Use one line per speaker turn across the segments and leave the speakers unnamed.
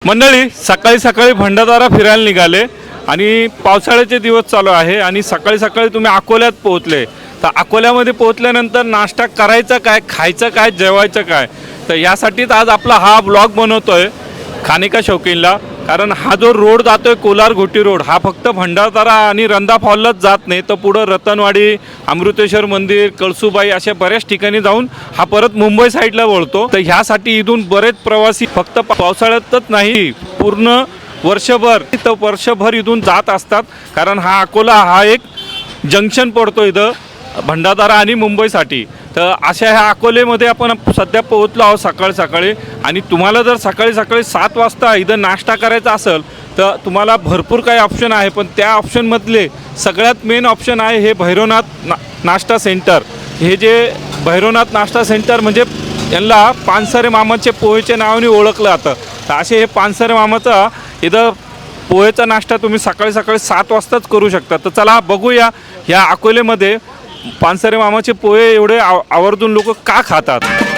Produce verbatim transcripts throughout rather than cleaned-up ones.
मंडळी सकाळी सकाळी भंडारदरा फिरायला निघाले आणि पावसाळ्याचे दिवस चालू आहे आणि सकाळी सकाळी तुम्ही अकोल्यात पोहोचले. तर अकोल्यामध्ये पोहोचल्यानंतर नाश्ता करायचा काय, खायचं काय, जेवायचं काय, तर यासाठीच आज आपला हा ब्लॉग बनवतोय खानिका शौकीनला. कारण हा जो रोड जातोय कोलार घोटी रोड, हा फक्त भंडारदरा आणि रंधा फॉललाच जात नाही, तर पुढं रतनवाडी, अमृतेश्वर मंदिर, कळसुबाई अशा बऱ्याच ठिकाणी जाऊन हा परत मुंबई साईडला वळतो. तर ह्यासाठी इथून बरेच प्रवासी फक्त पावसाळ्यातच नाही, पूर्ण वर्षभर तर वर्षभर इथून जात असतात. कारण हा अकोला हा एक जंक्शन पडतो इथं भंडारदरा आणि मुंबईसाठी. तर अशा ह्या अकोलेमध्ये आपण सध्या पोहोचलो आहोत सकाळी सकाळी. आणि तुम्हाला जर सकाळी सकाळी सात वाजता इथं नाश्ता करायचा असेल तर तुम्हाला भरपूर काही ऑप्शन आहे, पण त्या ऑप्शनमधले सगळ्यात मेन ऑप्शन आहे हे भैरवनाथ ना नाश्ता सेंटर. हे जे भैरवनाथ नाश्ता सेंटर म्हणजे यांना पानसरे मामाचे पोहेच्या नावाने ओळखलं जातं. तर असे हे पानसरे मामाचा इथं पोहेचा नाश्ता तुम्ही सकाळी सकाळी सात वाजताच करू शकता. तर चला बघूया ह्या अकोलेमध्ये पानसरे मामाचे पोहे एवढे आव आवर्जून लोक का खातात.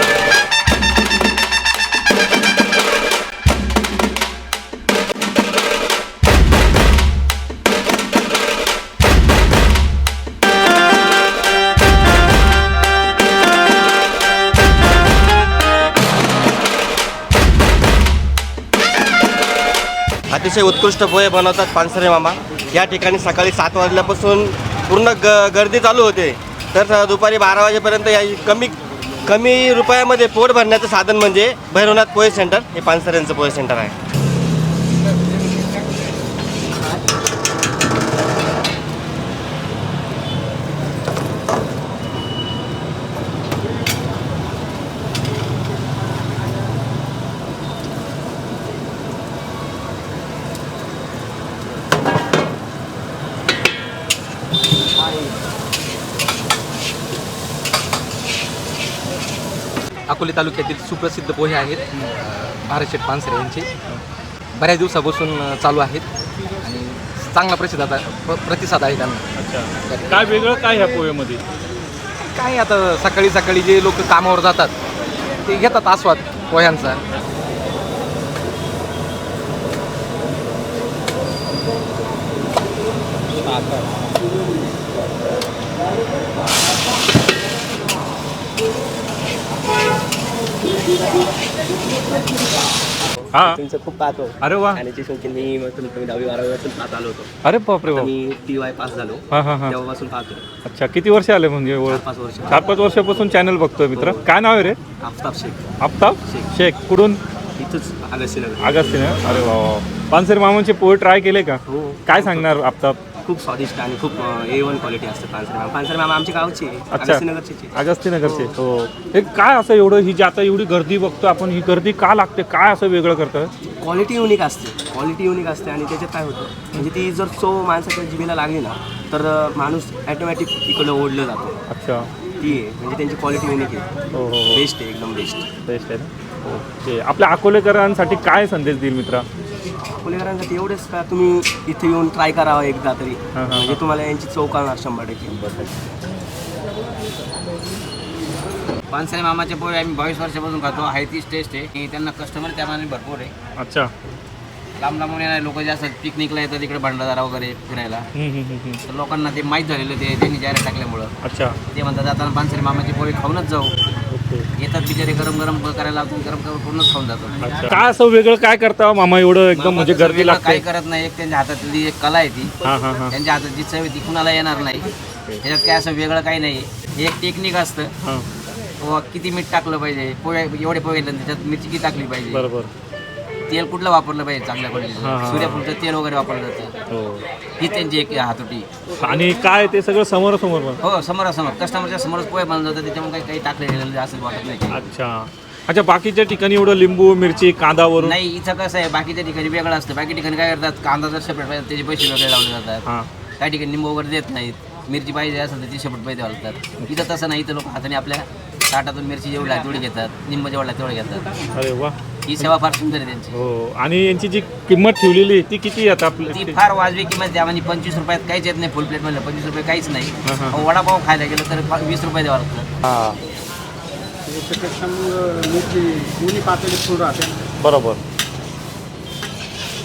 अतिशय उत्कृष्ट पोहे बनवतात पानसरे मामा. या ठिकाणी सकाळी सात वाजल्यापासून पूर्ण ग गर्दी चालू होते, तर दुपारी बारा वाजेपर्यंत या कमी कमी रुपयामध्ये पोट भरण्याचं साधन म्हणजे भैरवनाथ पोहे सेंटर हे पानसऱ्यांचं पोहे सेंटर आहे.
अकोले तालुक्यातील सुप्रसिद्ध पोहे आहेत भारतशेठ पानसरे यांचे. बऱ्याच दिवसापासून चालू आहेत आणि चांगला प्रसिद्ध आता प्र प्रतिसाद आहे त्यांना.
अच्छा, काय वेगळं काय ह्या पोहेमध्ये?
काय आता सकाळी सकाळी जे लोक कामावर जातात ते घेतात आस्वाद पोह्यांचा.
हा,
तुमचं खूप पाहतो
अरे वा,
खाण्याची शौकीन मी. मग तुम्ही दहावी बारावी वाजून पाहत आलो होतो.
अरे बापरे बाप.
मी टी वाय पास झालो
हां हां हां,
तेव्हापासून पाहतो.
अच्छा, किती वर्ष आले म्हणजे ओळख?
पाच वर्ष.
चार पाच वर्षापासून चॅनल बघतोय मित्र. काय नाव आहे रे?
आफताब शेख.
आफताब शेख. कुठून?
इथंच अगस्तीनगर.
अगस्तीने. अरे वा वा. पानसरे मामाचे पोहे ट्राय केले का?
हो.
काय सांगणार आफताब?
खूप स्वादिष्ट आणि खूप ए वन क्वालिटी असते पानसरे मामा. पानसरे मामा आमच्या गावचे
अच्छा.
अगस्तीनगरचे.
अगस्तीनगरचे. हो. हे काय असं एवढं, ही जी आता एवढी गर्दी बघतो आपण, ही गर्दी का लागते? काय असं वेगळं करतं?
क्वालिटी युनिक असते. क्वालिटी युनिक असते आणि त्याच्यात काय होतं म्हणजे ती जर चव माणसाच्या जिभेला लागली ना तर माणूस ॲटोमॅटिक इकडं ओढलं जातो.
अच्छा,
ती आहे म्हणजे त्यांची क्वालिटी युनिक आहे.
हो हो हो,
बेस्ट आहे, एकदम बेस्ट.
बेस्ट आहे ना. ओके, आपल्या अकोलेकरांसाठी काय संदेश देईल मित्रा?
अकोलेकरांसाठी एवढंच का तुम्ही इथे येऊन ट्राय करावं एकदा तरी,
हां, हां,
म्हणजे तुम्हाला यांची चव कळणार शंभर टक्के.
पानसरे मामाचे पोहे आम्ही बावीस वर्षापासून खातो. आहे तीच टेस्ट आहे आणि त्यांना कस्टमर त्यामाने भरपूर आहे.
अच्छा,
लांब लांबून येणारे लोक जे असतात पिकनिकला येतात इकडे भंडारदरा वगैरे फिरायला,
हम्म, हम्म, हम्म, हम्म.
तर लोकांना ते माहीत झालेलं ते त्यांनी जाहिरात टाकल्यामुळं
अच्छा,
ते म्हणतात जाताना पानसरे मामाचे पोहे खाऊनच जाऊ.
ओके.
येतात बिचारे गरम गरम करायला लावतात, गरम गरम पूर्णच खाऊन जातात.
अच्छा, काय असं वेगळं काय करता मामा एवढं एकदम म्हणजे
मामा तसं
गर्दी
वेगळं
लागते?
काही करत नाही. एक त्यांच्या हातातली एक कला आहे ती.
हां हां हां,
त्यांच्या हातात जी चव आहे ती कुणाला येणार नाही. त्याच्यात काय असं वेगळं काही नाही. हे एक टेक्निक असतं.
हां,
पोहा किती मीठ टाकलं पाहिजे, पोहे एवढे पोहे घेतलं त्याच्यात मिरची किती टाकली पाहिजे,
बरोबर.
तेल कुठलं वापरलं पाहिजे चांगल्या
हां,
क्वालिटीचं,
हां.
सूर्यफूलचं तेल वगैरे वापरलं जातं.
हो.
ही त्यांची एक हातोटी.
आणि काय ते सगळं समोरासमोर बन.
हो, समोरासमोर कस्टमरच्या समोरच पोहे बनवलं जातं. त्याच्यामुळे काही काही टाकलेलं असं वाटत नाही.
अच्छा अच्छा, बाकीच्या ठिकाणी एवढं लिंबू मिरची कांदा वरून
नाही, इथं कसं आहे बाकीच्या ठिकाणी वेगळं असतं. बाकी ठिकाणी काय करतात, कांदा जर सेपरेट पाहिजे त्याचे पैसे वेगळे लावले जातात.
हां,
काही ठिकाणी लिंबू वगैरे देत नाहीत. मिरची पाहिजे असेल तर ती सेपरेट पैसे घालतात. इथं तसं नाही. इथं लोक हाताने आपल्या ताटातून मिरची जेवढी आहे तेवढी घेतात, निंब जेवढा आहे तेवढे घेतात.
अरे वा.
ही सेवा फार सुंदर आहे त्यांची.
हो. आणि यांची जी किंमत ठेवलेली ती किती आता
ती
आपली?
फार वाजवी किंमत द्या. म्हणजे पंचवीस रुपयात काहीच येत नाही. फुल प्लेट म्हणलं पंचवीस रुपये काहीच नाही.
हां, हां.
अहो, वडापाव खायला गेलं तर पा- वीस रुपये द्यावं लागतं.
हां,
त्याच्यापेक्षा मग मोठी दोन्ही पातळी फूड राहते.
बरोबर.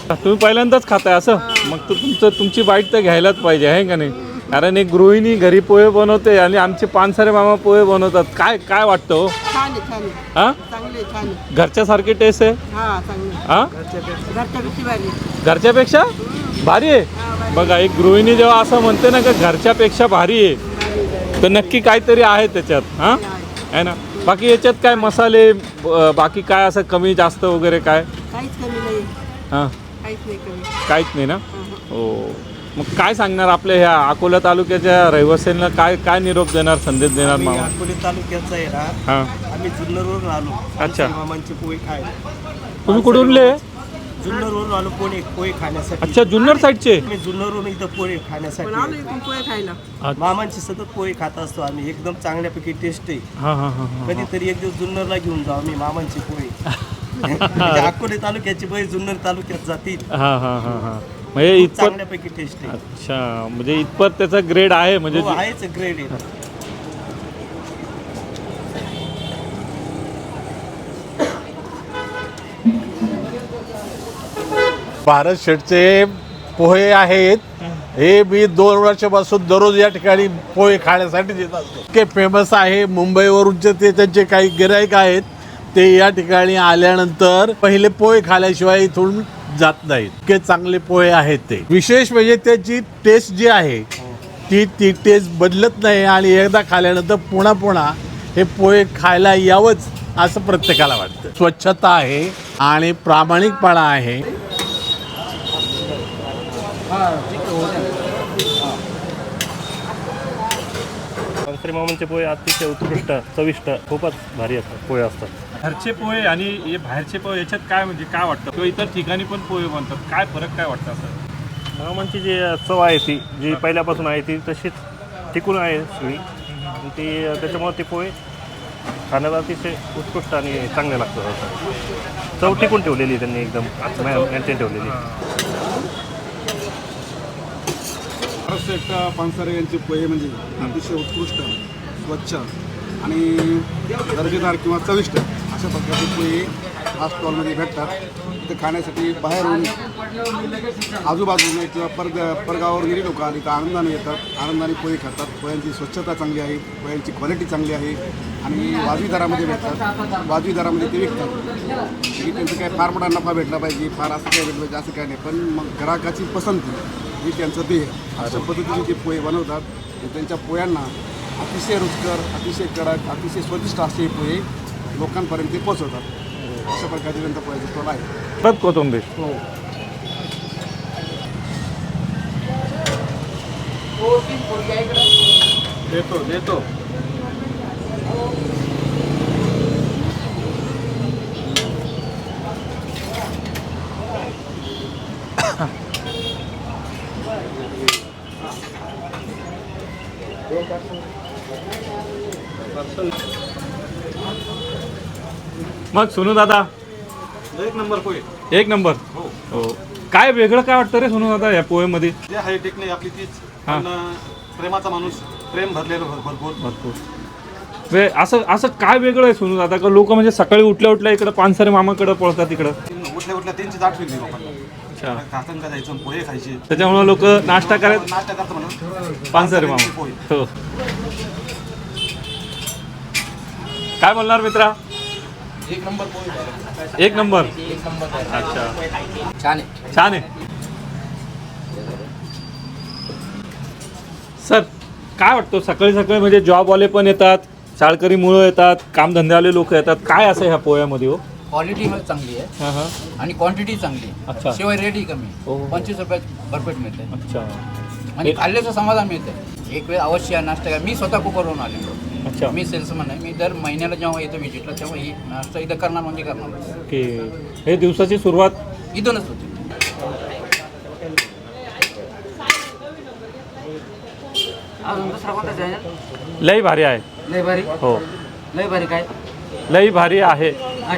तुम्ही पहिल्यांदाच खाताय असं? मग तर तुमचं तुमची बाईट तर घ्यायलाच पाहिजे आहे का नाही? कारण एक गृहिणी घरी पोहे बनवते आणि आमचे पानसरे मामा पोहे बनवतात. काय काय वाटतं हो?
छान आहे छान आहे
हां,
चांगले छान आहे
घरच्यासारखी टेस्ट आहे?
हा चांगले
हां,
घरच्या किती भारी
घरच्यापेक्षा भारी आहे. बघा, एक गृहिणी जेव्हा असं म्हणते ना का घरच्यापेक्षा भारी आहे, तर नक्की काहीतरी आहे त्याच्यात. हां, आहे ना. बाकी याच्यात काय मसाले ब- बाकी काय असं कमी जास्त वगैरे काय?
काहीच कमी नाही
हां,
काहीच नाही कमी
काहीच नाही ना. हो, मग काय सांगणार आपल्या ह्या अकोला तालुक्याच्या रहिवासींना? काय काय निरोप देणार, संदेश देणार मामा?
अकोले तालुक्याचा आहे ना,
हां,
आम्ही जुन्नरवरून आलो.
अच्छा.
मामांचे पोहे खाय
तुम्ही कुठूनले?
जुन्नरवरून आलो पोहे पोहे खाण्यासाठी.
अच्छा, जुन्नर साईडचे.
आम्ही जुन्नरवरून इथं पोहे
पण आलो
खाण्यासाठी.
इकडून पोहे खायला
मामांचे सतत पोहे खात असतो आम्ही, एकदम चांगल्यापैकी टेस्ट आहे.
हां हां हां हां.
कधीतरी एक दिवस जुन्नरला घेऊन जाऊ आम्ही मामांचे पोहे. म्हणजे अकोले तालुक्याचे पोहे जुन्नर तालुक्यात जातील.
हां हां हां हां. म्हणजे
खूप
इतपत.
चांगल्यापैकी टेस्ट आहे.
अच्छा, म्हणजे इतपत त्याचा ग्रेड आहे म्हणजे.
हो, आहेच ग्रेड आहे.
भारत शेठचे पोहे आहेत. हे मी दोन वर्षापासून दररोज या ठिकाणी पोहे खाण्यासाठी येत असतो. इतके फेमस आहे. मुंबईवरूनचे ते त्यांचे काही गिराईक आहेत, ते या ठिकाणी आल्यानंतर पहिले पोहे खाल्याशिवाय इथून जात नाहीत. इतके चांगले पोहे आहेत ते. विशेष म्हणजे त्याची टेस्ट जी आहे ती ती टेस्ट बदलत नाही आणि एकदा खाल्यानंतर पुन्हा पुन्हा हे पोहे खायला यावंच असं प्रत्येकाला वाटतं. स्वच्छता आहे आणि प्रामाणिकपणा आहे.
पानसरे मामांचे पोहे अतिशय उत्कृष्ट, चविष्ट, खूपच भारी असतात पोहे असतात.
घरचे पोहे आणि हे बाहेरचे पोहे याच्यात काय म्हणजे काय वाटतं? किंवा इतर ठिकाणी पण पोहे बनतात, काय फरक काय वाटतं असं?
मामांची जी चव आहे ती जी पहिल्यापासून आहे ती तशीच टिकून आहे सगळी. आणि ती त्याच्यामुळे ते पोहे खाण्याला अतिशय उत्कृष्ट आणि चांगले लागतात. चव टिकून ठेवलेली त्यांनी एकदम मेंटेन ठेवलेली.
महाराष्ट्र पानसरे यांचे पोहे म्हणजे अतिशय उत्कृष्ट, स्वच्छ आणि दर्जेदार किंवा चविष्ट अशा प्रकारचे पोहे हा स्टॉलमध्ये भेटतात. ते खाण्यासाठी बाहेरून आजूबाजूने किंवा परग परगावावरून लोक आली तर आनंदाने येतात, आनंदाने पोहे खातात. पोह्यांची स्वच्छता चांगली आहे, पोह्यांची क्वालिटी चांगली आहे आणि वाजवी दरामध्ये भेटतात. वाजवी दरामध्ये ते विकतात. की त्यांचं काय फार मोठा नफा भेटला पाहिजे, फार असं काय भेटलं पाहिजे असं काय नाही, पण मग ग्राहकाची पसंती ही त्यांचं ध्येय. अशा पद्धतीने ते पोहे बनवतात. आणि त्यांच्या पोह्यांना अतिशय रुचकर, अतिशय कडक, अतिशय स्वादिष्ट असे पोहे लोकांपर्यंत ते पोचवतात. अशा प्रकारचे त्यांचा पोह्याचा स्टॉल आहे.
परत कोथिंबीर.
हो.
देतो देतो. मग सोनू दादा,
एक नंबर पोहे.
एक नंबर. हो, काय वेगळं काय वाटतं रे सोनू दादा या पोहेमध्ये?
जे आहे टेक्निक आपली तीच,
हां.
पण प्रेमाचा माणूस, प्रेम भरलेलं भर भरपूर.
भरपूर. वे असं असं काय वेगळं आहे सोनू दादा का लोक म्हणजे सकाळी उठल्या उठल्या इकडं पानसरे मामाकडे पळतात इकडं?
उठल्या उठल्या त्यांची दाट होईल लोकांना.
अच्छा,
काकंका जायचं, पोहे खायचे,
त्याच्यामुळे लोक नाश्ता करायला
नाश्ता करतो म्हणून
पानसरे मामा.
पोहे.
हो, काय बोलणार मित्रा?
एक नंबर पोहे.
एक नंबर.
एक नंबर.
अच्छा,
छान आहे.
छान आहे. सर, काय वाटतं सकाळी सकाळी म्हणजे जॉबवाले पण येतात, शाळकरी मुलं येतात, कामधंद्यावाले लोक येतात, काय असं ह्या पोह्यामध्ये? हो,
क्वालिटी चांगली आहे
हां हां.
आणि क्वांटिटी चांगली
अच्छा.
आहे. शिवाय रेटही कमी,
हो, हो.
पंचवीस रुपयात भरपेट मिळते
अच्छा
आणि खाल्ल्याचं समाधान मिळतं. एक वेळ अवश्य नाश्ता करा. मी स्वतः कुकरवरून आलेलो.
अच्छा.
मी सेल्समन आहे. मी दर महिन्याला जेव्हा येतो व्हिजिटला तेव्हा ही नाश्ता इथं करणार म्हणजे करणार.
ओके, हे दिवसाची सुरुवात
इथूनच होती.
अजून दुसरा कोणता चॅनल?
लई भारी आहे.
लय भारी.
हो,
लय भारी काय?
लई भारी आहे.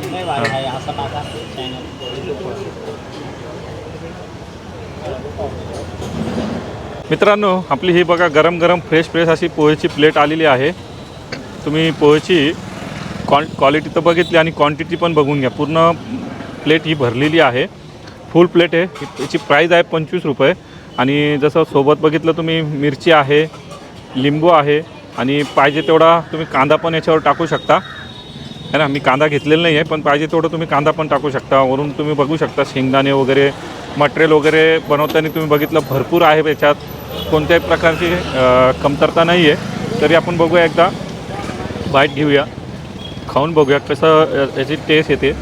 मित्रांनो, आपली ही बघा गरम गरम फ्रेश फ्रेश अशी पोहेची प्लेट आलेली आहे. तुम्ही पोहेची क्वां क्वालिटी तर बघितली आणि क्वांटिटी पण बघून घ्या. पूर्ण प्लेट ही भरलेली आहे. फुल प्लेट आहे. याची प्राईज आहे पंचवीस रुपये. आणि जसं सोबत बघितलं तुम्ही मिरची आहे, लिंबू आहे आणि पाहिजे तेवढा तुम्ही कांदा पण याच्यावर टाकू शकता है ना. मी कांदा घेतलेला नाही आहे, पण पाहिजे तेवढं तुम्ही कांदा पण टाकू शकता. वरून तुम्ही बघू शकता शेंगदाणे वगैरे मटेरियल वगैरे बनवताना तुम्ही बघितलं भरपूर आहे. याच्यात कोणत्याही प्रकारची कमतरता नाही आहे. तरी आपण बघूया, एकदा बाईट घेऊया, खाऊन बघूया कसं याची टेस्ट येते.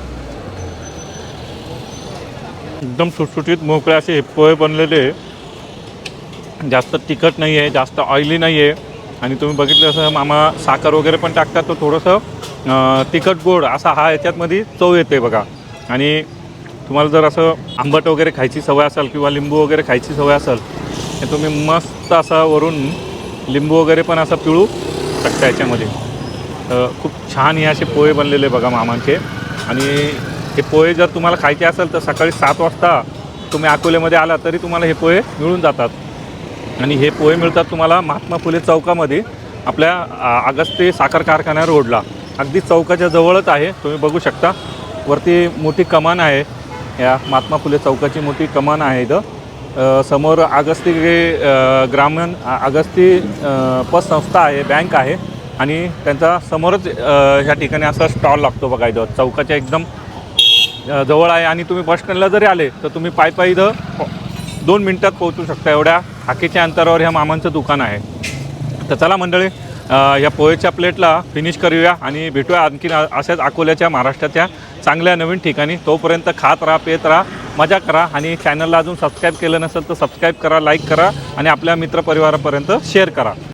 एकदम सुटसुटीत मोकळे असे हे पोहे बनलेले, जास्त तिखट नाही आहे, जास्त ऑइली नाही आहे. आणि तुम्ही बघितलं असं मामा साखर वगैरे पण टाकतात, तर थोडंसं तिखट गोड असा हा याच्यातमध्ये चव येते बघा. आणि तुम्हाला जर असं आंबट वगैरे खायची सवय असेल किंवा लिंबू वगैरे खायची सवय असेल, तर तुम्ही मस्त असा वरून लिंबू वगैरे पण असं पिळू शकता याच्यामध्ये. खूप छान हे असे पोहे बनलेले बघा मामांचे. आणि हे पोहे जर तुम्हाला खायचे असेल तर सकाळी सात वाजता तुम्ही अकोल्यामध्ये आला तरी तुम्हाला हे पोहे मिळून जातात. आणि हे पोहे मिळतात तुम्हाला महात्मा फुले चौकामध्ये, आपल्या अगस्ती साखर कारखाना रोडला, अगदी चौकाच्या जवळच आहे. तुम्ही बघू शकता वरती मोठी कमान आहे, या महात्मा फुले चौकाची मोठी कमान आहे इथं. समोर अगस्ती ग्रामीण अगस्ती पतसंस्था आहे, बँक आहे. आणि त्यांचा समोरच ह्या ठिकाणी असा स्टॉल लागतो बघा इथं, चौकाच्या एकदम जवळ आहे. आणि तुम्ही बस स्टँडला जरी आले तर तुम्ही पायी पायी इथं दोन मिनटात पोहोचू शकता, एवढ्या हाकेच्या अंतरावर ह्या मामांचं दुकान आहे. तर चला मंडळी, या पोहेच्या प्लेटला फिनिश करूया आणि भेटूया आणखीन अशाच अकोल्याच्या महाराष्ट्राच्या चांगल्या नवीन ठिकाणी. तोपर्यंत खात राहा, पेत राहा, मजा करा. आणि चॅनलला अजून सबस्क्राईब केलं नसेल तर सबस्क्राईब करा, लाईक करा आणि आपल्या मित्रपरिवारापर्यंत शेअर करा.